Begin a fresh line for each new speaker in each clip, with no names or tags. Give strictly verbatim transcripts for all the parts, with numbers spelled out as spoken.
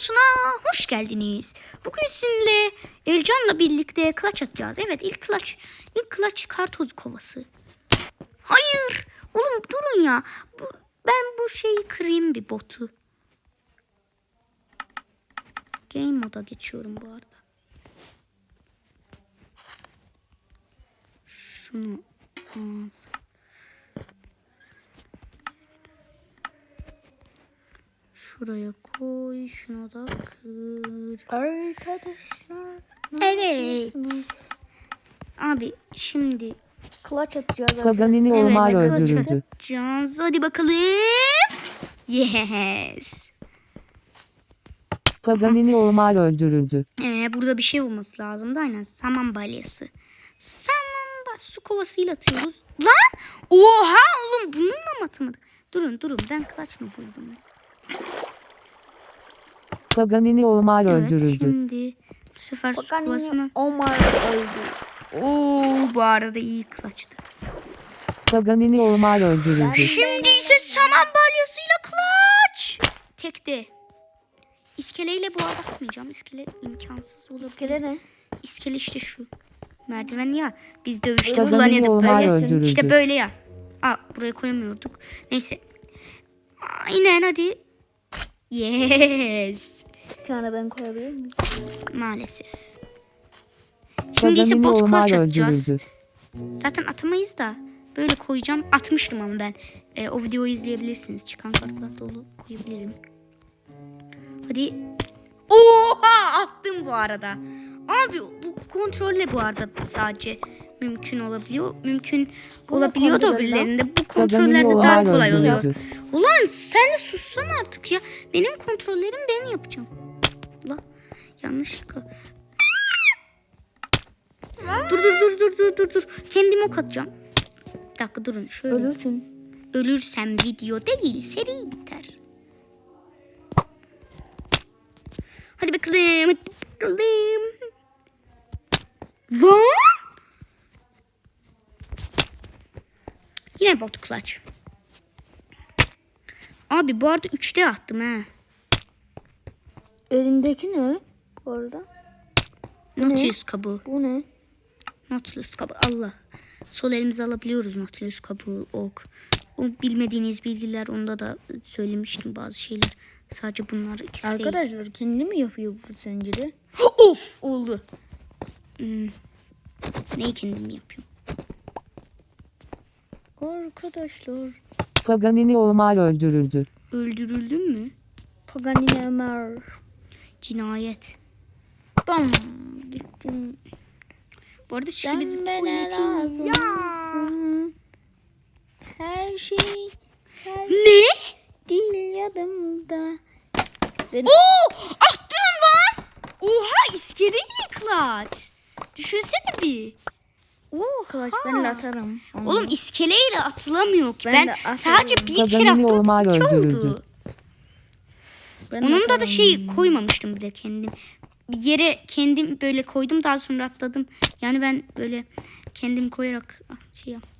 videosuna hoş geldiniz. Bugün sizinle Ercan'la birlikte clutch atacağız. Evet, ilk clutch, ilk clutch kartoz kovası. Hayır, oğlum durun ya. Bu, ben bu şeyi kırayım, bir botu. Game moda geçiyorum bu arada. Şunu al. Şuraya koy, şunu da kır.
Arkadaşlar.
Evet. Abi şimdi
Clutch atacağız.
Paganini
evet,
Omar
clutch
öldürüldü.
atacağız. Hadi bakalım. Yes.
Paganini Omar öldürüldü.
Ee, burada bir şey olması lazım da aynen. Saman balyası. Saman ba- su kovasıyla atıyoruz. Lan! Oha oğlum, bununla mı atamadık? Durun durun, ben clutch mı buldum?
Paganini Omar
Evet,
öldürüldü.
şimdi bu sefer su kovasını...
Omar öldü.
Oo, bu arada iyi clutch'tı.
Paganini Omar öldürüldü.
Şimdi ise saman balyasıyla clutch. Tekte. İskeleyle bu arada atmayacağım. İskele imkansız olabilir.
İskele ne?
İskele işte şu. Merdiven ya. Biz dövüşte
Paganini
kullanıyorduk
Omar
böyle.
öldürüldü.
İşte böyle ya. Aa, buraya koyamıyorduk. Neyse. Aynen hadi. Yes.
Bir tane ben koyabilir miyim?
Maalesef. Şimdi ise
Paganini
bot
Omar
clutch atacağız.
öldürüldü.
Zaten atamayız da. Böyle koyacağım. Atmıştım ama ben. E, o videoyu izleyebilirsiniz. Çıkan kartlar dolu koyabilirim. Hadi. Oha! Attım bu arada. Abi bu kontrolle bu arada sadece mümkün olabiliyor. Mümkün
Bunu
olabiliyor da
kontrol
öbürlerinde. Bu
Paganini
kontrollerde daha
Omar
kolay oluyor.
öldürüldü.
Ulan sen de sussan artık ya. Benim kontrollerim ben yapacağım. Allah. Yanlışlıkla. Dur dur dur dur dur dur dur. Kendime ok atacağım. Bir dakika durun. Şöyle.
Ölürsün.
Ölürsem video değil, seri biter. Hadi bakalım. Hadi bakalım. Lan! Yine bot clutch. Abi bu arada üçte attım ha.
Elindeki ne? Bu arada.
Nautilus kabuğu.
Bu ne?
Nautilus kabuğu. Allah. Sol elimize alabiliyoruz Nautilus kabuğu, ok. O bilmediğiniz bilgiler, onda da söylemiştim bazı şeyler. Sadece bunlar ikisi değil.
Arkadaşlar kendi mi yapıyor bu zinciri?
Of oldu. Hmm. Neyi kendim yapıyorum?
Arkadaşlar.
Paganini Omar öldürüldü.
Öldürüldün mü?
Paganini Ömer.
Cinayet.
Bam. Gittim.
Bu arada şimdi bir
Sen bana lazım.
ya.
Her şey. Her
Ne?
değil yanımda. Ben...
Oo! Attın lan! Oha, iskeleyle clutch. Düşünsene bir. Oha.
Kılıç ben de atarım. Onu.
Oğlum iskeleyle atılamıyor ki.
Ben
Ben,
de atarım.
sadece bir kere
Paganini
attım.
Omar
iki
öldürüldü.
oldu.
Ben de
Onun da da
atarım.
şey koymamıştım bir de kendim. Bir yere kendim böyle koydum, daha sonra atladım. Yani ben böyle kendim koyarak şey yap.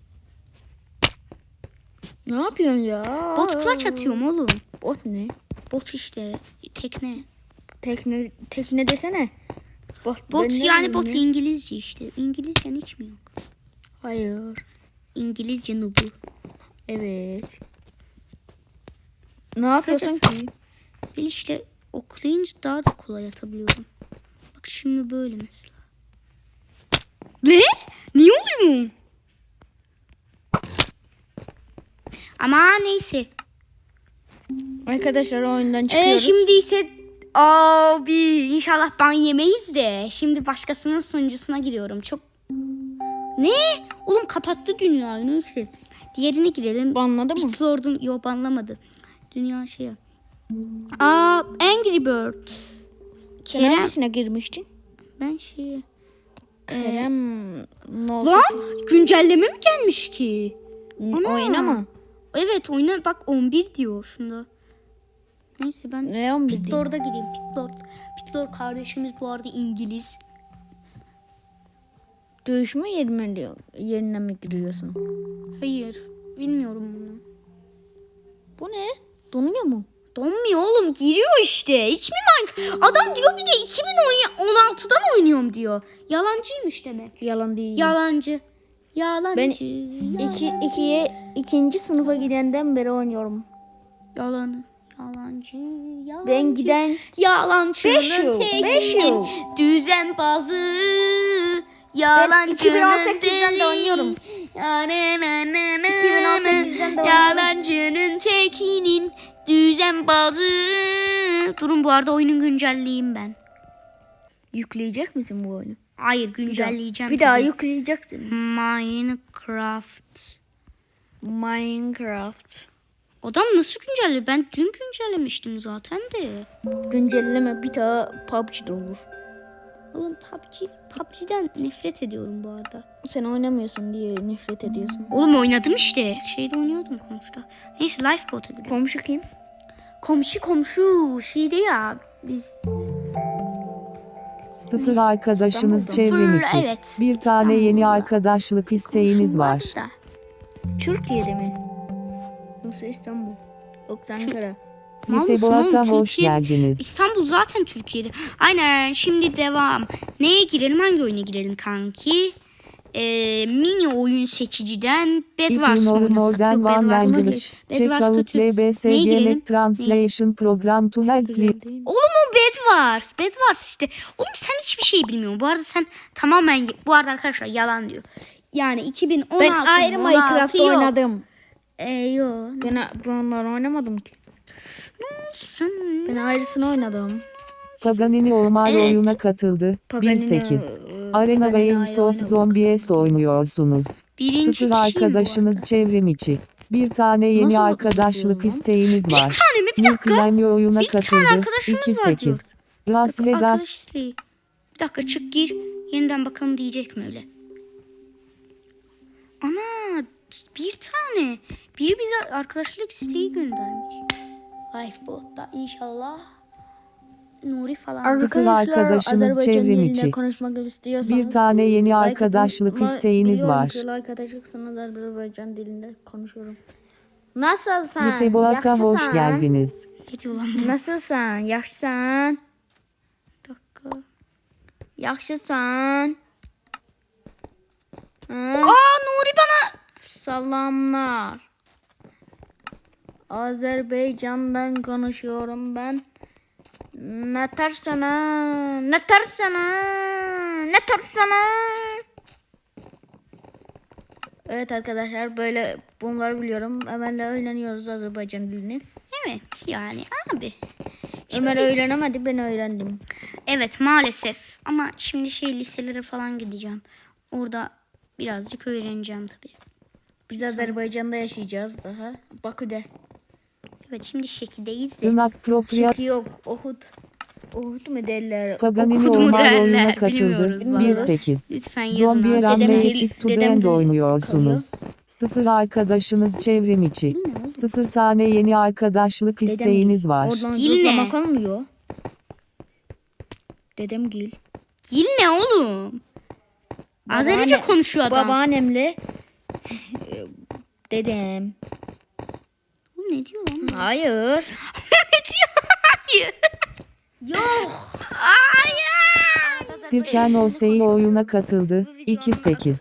Ne yapıyorsun ya?
Bot clutch atıyorum oğlum.
Bot ne?
Bot işte tekne.
Tekne, tekne desene. Bot,
Bot
ben ne
yani
bileyim
bot
ya?
İngilizce işte. İngilizcen hiç mi yok?
Hayır.
İngilizce nubu.
Evet. Ne yapıyorsun
Kısacası-
ki?
Ben işte oklayınca daha da kolay atabiliyorum. Bak şimdi böyle mesela. Ne? Niye oluyor mu? Ama neyse.
Arkadaşlar oyundan
Ee,
çıkıyoruz.
şimdi ise abi inşallah ban yemeyiz de. Şimdi başkasının sunucusuna giriyorum. Çok ne? Oğlum kapattı dünyayı, neyse. Diğerine girelim.
Banladı mı?
Bitlord'un yok, banlamadı. Dünya şey yap. Aa, Angry Bird.
Sen
Kerem,
hangisine girmiştin?
ben şey.
Kerem. No
Lan güncelleme mi gelmiş ki? Ana.
Oyuna mı?
Evet, oyuna bak on bir diyor şunda. Neyse ben
Ne on bir diyor?
Pitlord'a gireyim. Pitlord. Pitlord kardeşimiz bu arada İngiliz.
Dövüşme yerine, diyor, yerine mi giriyorsun?
Hayır, bilmiyorum bunu.
Bu ne? Donuyor mu?
Donmuyor oğlum, giriyor işte. Hiç mi Minecraft? Adam diyor bir de iki bin on altıdan oynuyorum diyor. Yalancıymış demek.
Yalan değil.
Yalancı. Yalancı.
Ben
yalan-
iki, ikiye, ikinci sınıfa gidenden beri oynuyorum.
Yalan. Yalancı. Yalancı.
Ben giden Beş
Yalancının
yıl, beş yıl.
tekinin düzenbazı. Yalancının
iki bin on sekizden de
deli.
oynuyorum.
iki
bin on sekizden de oynuyorum.
Yalancının tekinin düzenbazı. Durun, bu arada oyunun güncelleyeyim ben.
yükleyecek misin bu oyunu?
Hayır, güncelleyeceğim.
Bir daha
tabii.
yükleyeceksin.
Minecraft.
Minecraft.
Adam nasıl güncelledi? Ben dün güncellemiştim zaten de.
Güncelleme, bir daha P U B G'de olur.
Oğlum P U B G, P U B G'den nefret ediyorum bu arada.
Sen oynamıyorsun diye nefret ediyorsun.
Oğlum oynadım işte. Şeyde oynuyordum komşuda. Neyse Lifeboat'a gidiyorum.
Komşu kim?
Komşu komşu şeyde ya. Biz
Sıfır arkadaşınız
İstanbul'da.
çevrim
Sıfır,
içi.
evet.
Bir tane yeni
İstanbul'da.
arkadaşlık isteğiniz
komşum
var.
vardı da.
Türkiye'de mi? Yoksa İstanbul? Yoksa Ankara?
Mal mısın
Lifeboat'a
oğlum?
hoş
Türkiye-
geldiniz.
İstanbul zaten Türkiye'de. Aynen, şimdi devam. Neye girelim? Hangi oyuna girelim kanki? Ee, mini oyun seçiciden Bedwars mı oynasak?
Modern
Yok,
One
Bedwars
Language.
kötü.
Check
Bedwars
out
kötü.
L B S
Neye
G
girelim?
Let Translation Program to help you.
Oğlum o Bedwars. Bedwars işte. Oğlum sen hiçbir şey bilmiyorsun. Bu arada sen tamamen... Bu arada arkadaşlar yalan diyor. Yani iki bin on altı
Ben ayrı
on altı
Minecraft
yok.
oynadım.
Ee, yok.
Ben, ben onları oynamadım ki.
Sen...
Ben ayrısını oynadım.
Paganini Omar
Evet.
oyuna katıldı.
Paganini,
bir sekiz.
e,
Arena
Paganini
Waves
ayrı
of
oynadık.
Zombies oynuyorsunuz.
Birinci
Sıfır
kişiyim bu
arkadaşınız
arada.
çevrim içi. Bir tane yeni
Nasıl
arkadaşlık
bakıyorsun lan?
isteğiniz
Bir
var.
tane mi? Bir
New
dakika.
Climber oyuna
Bir tane
katıldı.
arkadaşımız
iki
var diyor.
sekiz. Las Vegas
Arkadaş isteği. Bir dakika, çık gir. Yeniden bakalım diyecek mi öyle? Ana, bir tane. Biri bize arkadaşlık isteği göndermiş. Lifeboat'ta inşallah. Nuri falan.
Arkadaşlar, arkadaşınız
Azerbaycan
çevrim
dilinde
içi.
konuşmak istiyorsanız
bir tane yeni
like
arkadaşlık
atın.
isteğiniz
Biliyorum
var.
ki like atacaksınız, Azerbaycan dilinde konuşuyorum. Nasılsın?
Lifeboat'a hoş
Yaxşısan?
geldiniz.
Ne diyor lan bu?
Nasılsın? Yaxşısan?
Bir dakika.
Yaxşısan? Ha?
Aa, Nuri bana.
Salamlar. Azerbaycan'dan konuşuyorum ben. Ne tersana, ne tersana, ne tersana. Evet arkadaşlar, böyle bunları biliyorum. Ömer'le öğreniyoruz Azerbaycan dilini.
Evet yani abi.
Ömer öğrenemedi, ben öğrendim.
Evet maalesef. Ama şimdi şey liselere falan gideceğim. Orada birazcık öğreneceğim tabii.
Biz Azerbaycan'da yaşayacağız daha. Bakü'de.
Evet, şimdi Şeki'deyiz de.
Tırnak Propriat
Şeki yok, Ohud. Ohud mu derler?
Paganini
Okudu mu
Omar
derler,
oyuna katıldı.
bilmiyoruz
bir
vallahi.
sekiz.
Lütfen yazın
Zombiye
abi.
Run
Dedem
ve
gel-
Epic to the
dedem
End
gel-
oynuyorsunuz. Sıfır arkadaşınız çevrim içi. Sıfır tane yeni arkadaşlık
Dedem
isteğiniz
Gil.
var.
Oradan
Gil ne?
zıplamak olmuyor. Dedem Gil.
Gil ne oğlum? Azerice
Babaanne-
konuşuyor adam.
Babaannemle e, dedem.
Oğlum ne diyor lan?
Hayır.
Ne diyor? Hayır.
Yok.
Hayır.
Sirken Osei oyuna katıldı. iki sekiz.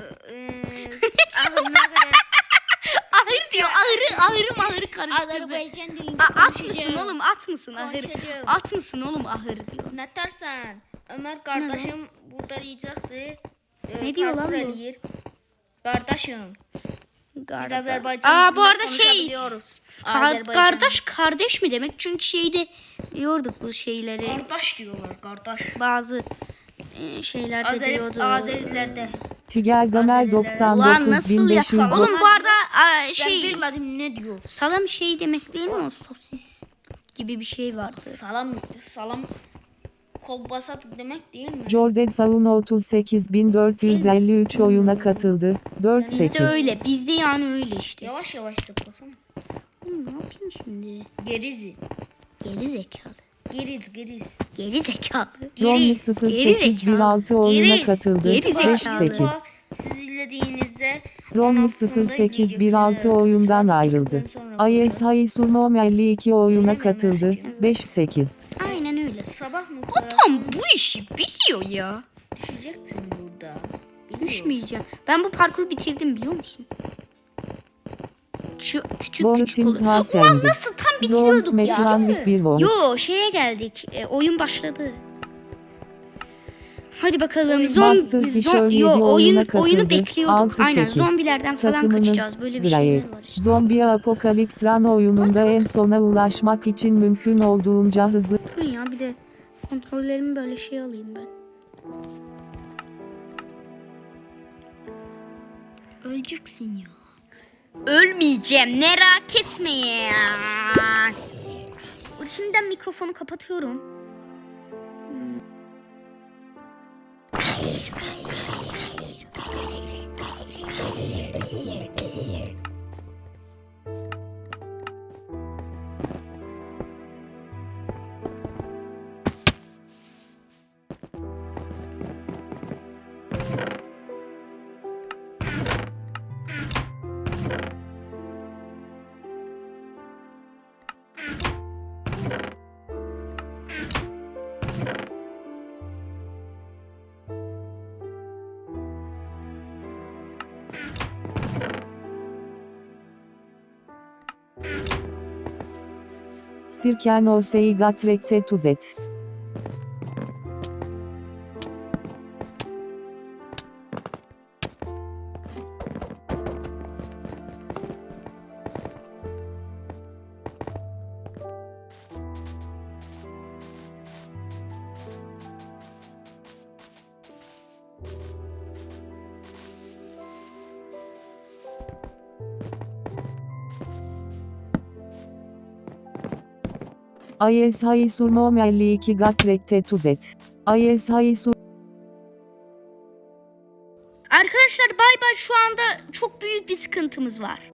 Ahır diyor. Ahırı, ahırı mahırı karıştırdı.
Azerbaycan dilinde
A, at mısın
konuşacağım.
oğlum? At mısın ahırı?
Konuşacağım.
At mısın oğlum ahırı diyor.
Ne dersen? Ömer kardeşim burada yiyecekti. Ee,
Ne diyor lan
karpuz
bu?
eləyir. Kardeşim. Biz
Galiba.
Azerbaycan
Aa, bu
dilinde
arada şey.
konuşabiliyoruz.
Kar-
Azerbaycan-
kardeş kardeş mi demek? Çünkü şeyde diyorduk bu şeyleri.
Kardeş diyorlar, kardeş.
Bazı e, şeylerde
Azer,
diyordu.
Azerilerde.
Tiger Gamer doksan
Ulan
dokuz
nasıl
bin beş yüz.
yapsam? Oğlum bu arada a,
Ben
şey
bilmedim ne diyor.
salam şey demek değil mi o, sosis gibi bir şey vardı.
Salam, salam kolbasa demek değil mi?
Jordan Faun otuz sekiz bin dört yüz elli üç oyuna katıldı. dört
Bizde
sekiz.
öyle. Bizde yani öyle işte.
Yavaş yavaş zıplasana.
Oğlum ne yapayım şimdi?
Gerizi.
Geri zekalı.
Geriz, geriz.
Geri zekalı.
Romney
Geriz,
sıfır
geri
sekiz bir
zekalı.
altı oyuna
Geriz,
katıldı.
geri
beş
zekalı.
sekiz.
Siz izlediğinizde
Romlu
on altısında
sıfır sekiz bir altı
izleyecek.
oyundan
Saat
ayrıldı.
bittikten sonra
I S Haysunom elli iki oyuna katıldı. beş sekiz.
Aynen öyle.
Sabah mı?
Adam bu işi biliyor ya.
Düşeceksin burada. Biliyorum.
Düşmeyeceğim. Ben bu parkuru bitirdim biliyor musun? Şu küçük küçük
Bohutin
oluyor. Ulan
Hasendi.
nasıl tam
Roms
bitiriyorduk ya.
Mekranlik bir Vohut.
Yo şeye geldik. E, oyun başladı. Hadi bakalım.
Master
Zombi
Kişör
zom,
yedi
yo oyun
oyuna
oyunu
katıldı.
bekliyorduk.
altı
Aynen
sekiz.
zombilerden falan
Takımınız
kaçacağız. Böyle bir
Grey.
şeyler var işte.
Zombi Apokalips Run oyununda en sona ulaşmak için mümkün olduğunca hızlı
Durun ya bir de kontrollerimi böyle şey alayım ben. Öleceksin ya. Ölmeyeceğim merak etme ya. Şimdiden mikrofonu kapatıyorum.
Sirken Osei Gatrekte Tudet. I S Haysunom elli iki Gatrekte Tudet. I S Haysunom
Arkadaşlar bay bay şu anda çok büyük bir sıkıntımız var.